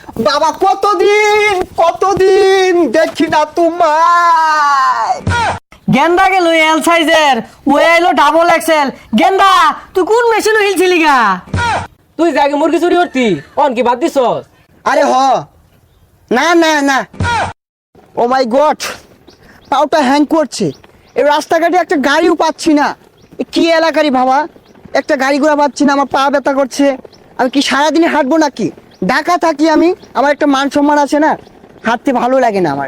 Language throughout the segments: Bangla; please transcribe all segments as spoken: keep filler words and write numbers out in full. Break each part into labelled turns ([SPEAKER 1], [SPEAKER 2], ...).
[SPEAKER 1] বাবা কতদিন কতদিন দেখি না তোমায়।
[SPEAKER 2] গেন্দা গেল এল সাইজের, ও এলো ডাবল এক্সেল। গেন্দা তুই কোন মেশিন হিলছিলি গা?
[SPEAKER 3] তুই জাগে মুরগি চুরি করতি, অন কি বাদ দিছস?
[SPEAKER 1] আরে হ না না না, ও মাই গড, পাউটা হ্যাং করছে। এই রাস্তাঘাটে একটা গাড়িও পাচ্ছি না। এ কি এলাকারই বাবা, একটা গাড়ি ঘোড়া পাচ্ছি না, আমার পা ব্যথা করছে। আমি কি সারাদিনে হাঁটবো নাকি? ঢাকা থাকি আমি, আমার একটা মান সম্মান আছে না, হাঁটতে ভালো লাগে না আমার।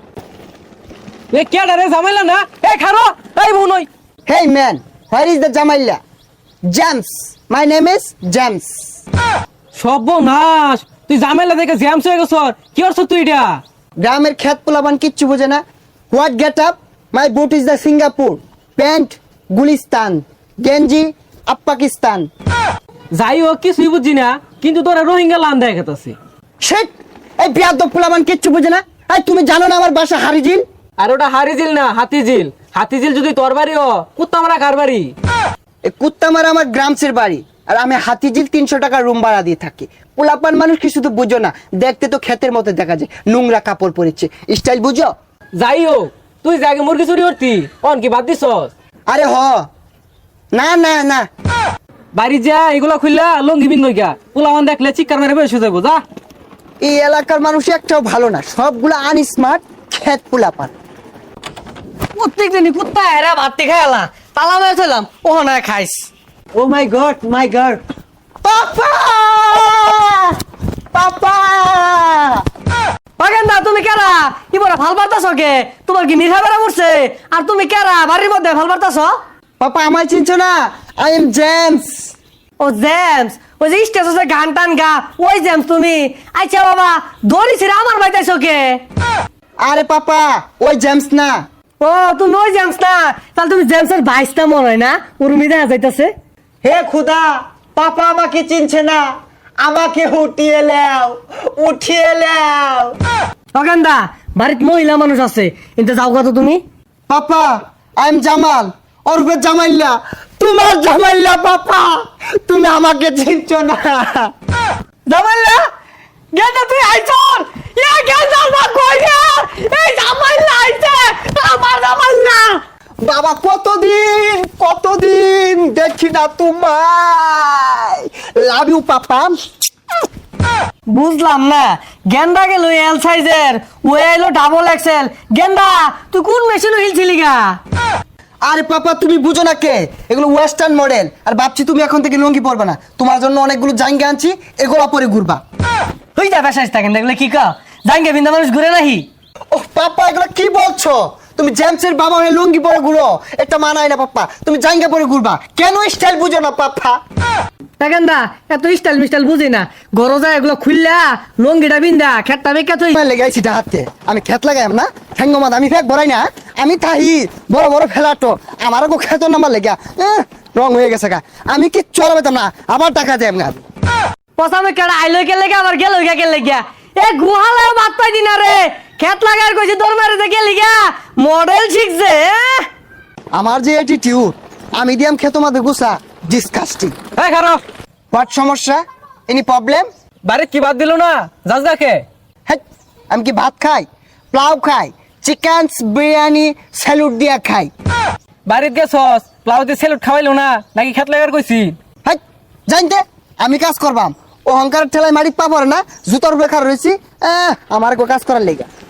[SPEAKER 3] এ কেডা রে ঝামেলা না? এ খারো, এই বুনই।
[SPEAKER 1] Hey man, where is the জামাইলা? James, my name is James.
[SPEAKER 3] সর্বনাশ, তুই ঝামেলা দেখে জ্যামস হয়ে গেছ। কি করছ তুই এটা?
[SPEAKER 1] গ্রামের খেত পোলাবান কিচ্ছু বোঝে না। What get up? My boot is the Singapore, pant Gulistan, গেঞ্জি আপ পাকিস্তান।
[SPEAKER 3] যাই হোক কিছুই বুঝছি না, কিন্তু তোরা রোহিঙ্গা লান দেখা গেছে।
[SPEAKER 1] শেট, এই বিয়াদব পোলাবান কিচ্ছু বোঝে না। এই তুমি জানো না আমার বাসা হারিজিল?
[SPEAKER 3] আর ওটা হারিজিল না হাতিঝিল। হাতিঝিল যদি তোর বাড়ি ও, কুত্তা মারা কার বাড়ি?
[SPEAKER 1] এই কুত্তামারা আমার গ্রামসের বাড়ি, আর আমি হাতিঝিল তিনশো টাকা রুম ভাড়া দিয়ে থাকি। পোলাপান মানুষ কি শুধু বুঝো না, দেখতে তো ক্ষেতের মতো দেখা যায়, নোংরা কাপড় পরেছে, স্টাইল বুঝো?
[SPEAKER 3] যাই হোক, তুই জাগে মুরগি চুরি করতি, অন কি বাদ দিছস?
[SPEAKER 1] আরে হ না না না,
[SPEAKER 3] বাড়ি যা এগুলা খুললা লঙ্গি বিন গা, পোলাওয়ান দেখলে চিৎকার মেরে বসে যাবো। যা।
[SPEAKER 1] এই এলাকার মানুষ একটাও ভালো না, সবগুলো আনস্মার্ট খেত পোলাপান।
[SPEAKER 2] প্রত্যেক দিনই কুত্তা এরা ভাত খাই এলা, তালা মেরে চলাম ও না খাইস।
[SPEAKER 1] Oh my god my god, papa papa.
[SPEAKER 2] গেন্দা তুমি কেরা ইবরা ভাল পারতাছ কে? তোমার কি নিশা বেড়া পড়ছে? আর তুমি কেরা বাড়ির মধ্যে ভাল পারতাছ?
[SPEAKER 1] পাপা আমায় চিনছো না? I am James.
[SPEAKER 2] Oh James, ওই যে স্টেশনে গান টান গা, ওই জেমস তুমি? আচ্ছা বাবা, দড়ি ছিড়ে আমার বাইতাইছ কে?
[SPEAKER 1] আরে পাপা ওই জেমস না।
[SPEAKER 2] ও তুমি ওই জেমস না, তাহলে তুমি জেমসের ভাইসটা মনে হয় না? উর্মি দেখা যাইতাছে।
[SPEAKER 1] হে খুদা, পাপা আমাকে চিনছে না, আমাকে উঠিয়ে লাও, উঠিয়ে লাও।
[SPEAKER 2] অগান্দা বাড়িতে মহিলা মানুষ আছে, কিন্তু যাও কত তুমি?
[SPEAKER 1] পাপা আই এম জামাল, ওরফে জামাইল্লা, তোমার জামাইল্লা। পাপা তুমি আমাকে চিনছো না।
[SPEAKER 2] জামাইলা গেন্দা তুই আইছর, ইয়া গেন্দা না কই রে? এই জামাইলা আইছে, আমার জামাইলা।
[SPEAKER 1] বাবা কতদিন কতদিন দেখি না তোমায়। Love you papa.
[SPEAKER 2] বুঝলাম না, গেন্দা গেল এল সাইজের, ও এলো ডাবল এক্সেল। গেন্দা তুই কোন মেশিন হিলছিলি গা?
[SPEAKER 1] আরে পাপা তুমি বুঝো না কে, এগুলো ওয়েস্টার্ন মডেল। আর ভাবছি তুমি এখন থেকে লুঙ্গি পরবে না, তোমার জন্য অনেকগুলো জাঙ্গা আনছি, এগুলো পরে ঘুরবা।
[SPEAKER 2] তুই যা বেসাইস থাকেন, দেখলে কি কা জাঙ্গে বিন্দা মানুষ ঘুরে নাহি।
[SPEAKER 1] ও পাপা এগুলো কি বলছো? তুমি জেমসের বাবা হয়ে লুঙ্গি পরে ঘুরো, এটা মানায় না পাপা। তুমি জাঙ্গা পরে ঘুরবা, কেন স্টাইল বুঝো না পাপা?
[SPEAKER 2] গেন্দা এত স্টাইল মিস্টাইল বুঝি না, গরো যায় এগুলো খুললা লঙ্গিটা বিন্দা খেটটা বেকা তুই
[SPEAKER 1] লেগাইছি হাতে, আমি খেত লাগাইম না ঠ্যাঙ্গমাদ, আমি ফেক ভরাই না, আমি তাহি বড় বড় ফেলাটো আমার গো খেত নাম্বার লেগা রং হয়ে গেছে গা, আমি কি চলাবেতাম না, আবার টাকা দেব না।
[SPEAKER 2] পসামে কেডা আইলো কে লেগা আবার গেল কে লেগা? এ গুহালে বাত পাই দিনা রে, খেত লাগার কইছে দৌড় মারে দে কে লিগা মডেল শিখছে।
[SPEAKER 1] আমার যে অ্যাটিটিউড, আমি দিয়াম খেত মাদে গুসা, ডিসকাস্টিং।
[SPEAKER 3] এই খারো,
[SPEAKER 1] হোয়াট সমস্যা? Any problem?
[SPEAKER 3] বাড়ি কি বাদ দিল না? যাস দেখে।
[SPEAKER 1] হ্যাঁ, আমি কি ভাত খাই, প্লাউ খাই, চিকেন বিরিয়ানি স্যালুট দিয়া খাই?
[SPEAKER 3] বাড়িতে গেছস, প্লাউতে সেলুট খাওয়াইলো না নাকি খেত লাগার কইছি?
[SPEAKER 1] হ্যাঁ জানতে আমি কাজ করবাম, অহংকারের ঠেলায় মারি পা পড়ে না, জুতোর বেকার রয়েছি, আমার গো কাজ করার লেগা।